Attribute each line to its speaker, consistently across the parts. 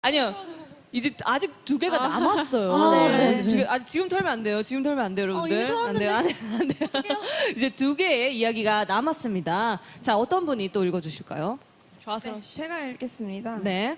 Speaker 1: 아니요. 이제 아직 2개가 남았어요.
Speaker 2: 네.
Speaker 1: 이제 2개, 아직 지금 털면 안 돼요. 지금 털면 안 돼요, 여러분들.
Speaker 2: 이미
Speaker 1: 안 돼요, 안 돼요, 안 돼요. 이제 2개의 이야기가 남았습니다. 자, 어떤 분이 또 읽어주실까요?
Speaker 2: 좋아서.
Speaker 3: 제가 읽겠습니다.
Speaker 1: 네.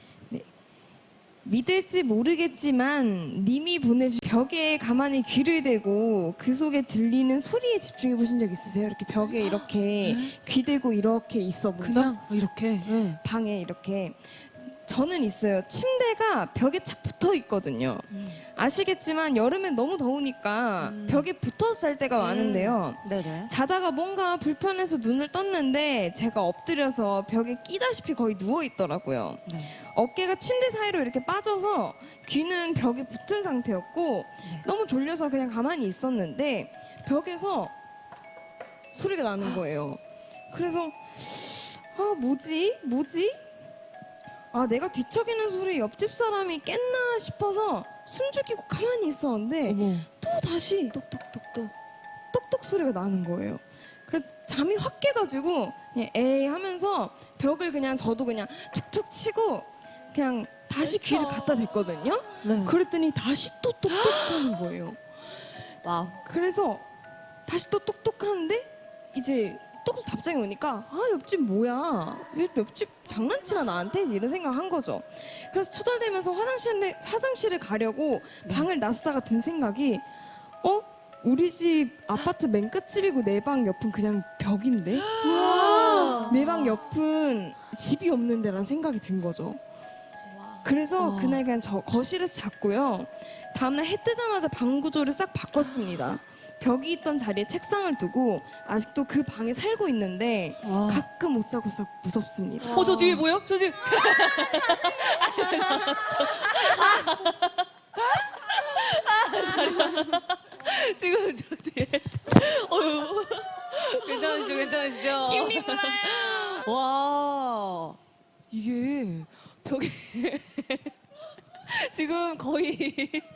Speaker 3: 믿을지 모르겠지만 님이 보내준 벽에 가만히 귀를 대고 그 속에 들리는 소리에 집중해 보신 적 있으세요? 이렇게 벽에 이렇게 귀 대고 이렇게 있어 본 적?
Speaker 1: 그냥 이렇게. 네.
Speaker 3: 방에 이렇게. 저는 있어요. 침대가 벽에 착 붙어 있거든요. 아시겠지만 여름엔 너무 더우니까 벽에 붙어서 잘 때가 많은데요.
Speaker 1: 네네.
Speaker 3: 자다가 뭔가 불편해서 눈을 떴는데 제가 엎드려서 벽에 끼다시피 거의 누워 있더라고요.
Speaker 1: 네.
Speaker 3: 어깨가 침대 사이로 이렇게 빠져서 귀는 벽에 붙은 상태였고 너무 졸려서 그냥 가만히 있었는데 벽에서 소리가 나는 거예요. 그래서 아 뭐지? 아 내가 뒤척이는 소리에 옆집 사람이 깼나 싶어서 숨 죽이고 가만히 있었는데
Speaker 1: 어머.
Speaker 3: 또 다시
Speaker 1: 똑똑똑똑.
Speaker 3: 똑똑 소리가 나는 거예요. 그래서 잠이 확 깨가지고 그냥 에이 하면서 벽을 그냥 저도 그냥 툭툭 치고 그냥 다시 귀를 갖다 댔거든요.
Speaker 1: 네.
Speaker 3: 그랬더니 다시 또 똑똑하는 거예요.
Speaker 1: 와우.
Speaker 3: 그래서 다시 또 똑똑하는데 이제 똑똑 답장이 오니까 아 옆집 뭐야? 옆집 장난치나 나한테 이런 생각한 거죠. 그래서 투덜대면서 화장실에 가려고 방을 나서다가 든 생각이 우리 집 아파트 맨 끝집이고 내 방 옆은 그냥 벽인데 내 방 옆은 집이 없는 데라는 생각이 든 거죠. 그래서 그날 그냥 저 거실에서 잤고요. 다음날 해 뜨자마자 방 구조를 싹 바꿨습니다. 벽이 있던 자리에 책상을 두고 아직도 그 방에 살고 있는데 가끔 오싹오싹 무섭습니다.
Speaker 1: 저 뒤에 뭐요? 저 뒤에. 지금 저 뒤에. 어휴. 괜찮으시죠?
Speaker 2: 김리브라요.
Speaker 1: 와. 이게 벽에. 지금 거의.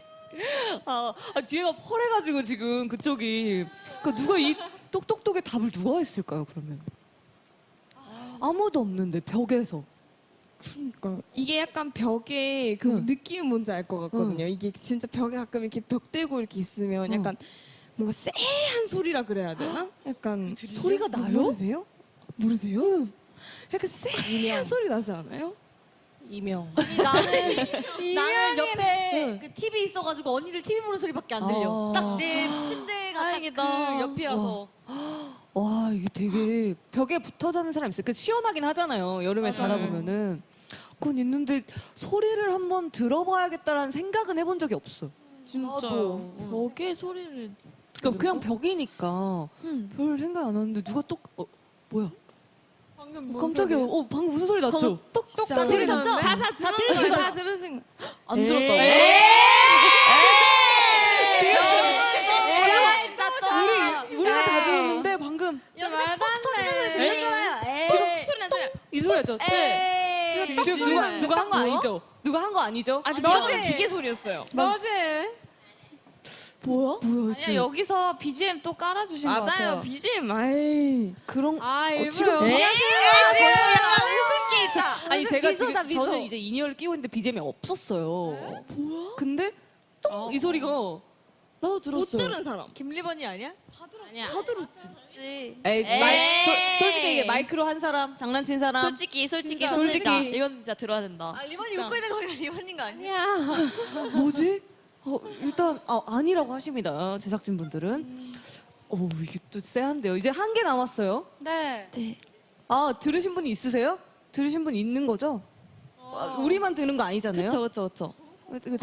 Speaker 1: 뒤에가 펄해가지고 지금 그쪽이. 그러니까 누가 이 똑똑똑의 답을 누가 했을까요, 그러면? 아무도 없는데, 벽에서.
Speaker 3: 그러니까 이게 약간 벽에 그
Speaker 1: 응.
Speaker 3: 느낌이 뭔지 알 것 같거든요. 이게 진짜 벽에 가끔 이렇게 벽 대고 이렇게 있으면 약간 뭔가 쎄한 소리라 그래야 되나? 약간
Speaker 1: 소리가 나요?
Speaker 3: 모르세요? 모르세요? 약간 쎄한 소리 나지 않아요?
Speaker 2: 이명.
Speaker 4: 나는 옆에
Speaker 1: 응.
Speaker 4: 그 TV 있어가지고 언니들 TV 보는 소리밖에 안 들려.
Speaker 1: 아.
Speaker 4: 딱 내 침대가
Speaker 2: 다행이다.
Speaker 4: 딱 그 옆이라서.
Speaker 1: 와, 이게 되게 벽에 붙어 자는 사람 있어요. 그 시원하긴 하잖아요. 여름에 자다 보면은. 그건 있는데 소리를 한번 들어봐야겠다라는 생각은 해본 적이 없어요.
Speaker 2: 진짜요. 벽에 소리를.
Speaker 1: 그러니까 그냥 벽이니까 별 생각 안 하는데 누가 뭐야?
Speaker 2: 방금
Speaker 1: 깜짝이야. 방금 무슨 소리 났죠?
Speaker 3: 똑똑
Speaker 4: 다 들으셨죠?
Speaker 3: 다 들으신 거예요. 다 들으신 거.
Speaker 2: 안 들었다고?
Speaker 1: 우리가 다 들었는데 방금
Speaker 4: 말도 안 돼.
Speaker 3: 지금 소리 나잖아요.
Speaker 1: 이 소리였죠? 네. 지금 누가 한 거 아니죠? 누가 한 거 아니죠?
Speaker 3: 아, 근데 이거는 기계 소리였어요.
Speaker 1: 뭐야? 뭐야?
Speaker 2: 아니야, 여기서 BGM 또 깔아주신 것 같아요.
Speaker 3: 맞아요. BGM. 아이.
Speaker 1: 그런
Speaker 3: 일부러
Speaker 1: 지금
Speaker 3: 여기
Speaker 2: 지금 약간 웃음기 있다.
Speaker 1: 아니 제가
Speaker 4: 미소다,
Speaker 1: 지금
Speaker 4: 미소.
Speaker 1: 저는 이제 인이어를 끼고 있는데 BGM이 없었어요. 뭐야? 근데 또 이 소리가 나도 들었어요.
Speaker 3: 못 들은 사람.
Speaker 4: 김리번이 아니야?
Speaker 3: 다 들었지.
Speaker 1: 에이, 솔직히 이게 마이크로 한 사람, 장난친 사람.
Speaker 2: 솔직히
Speaker 1: 솔직히.
Speaker 2: 이건 진짜 들어야 된다.
Speaker 4: 리번이 웃고 있는 거니까 리번인 거 아니야?
Speaker 1: 뭐지? 일단 아니라고 하십니다. 제작진 분들은. 이게 또 쎄한데요. 이제 한 개 남았어요.
Speaker 4: 네.
Speaker 1: 들으신 분이 있으세요? 들으신 분 있는 거죠? 우리만 드는 거 아니잖아요.
Speaker 2: 그쵸.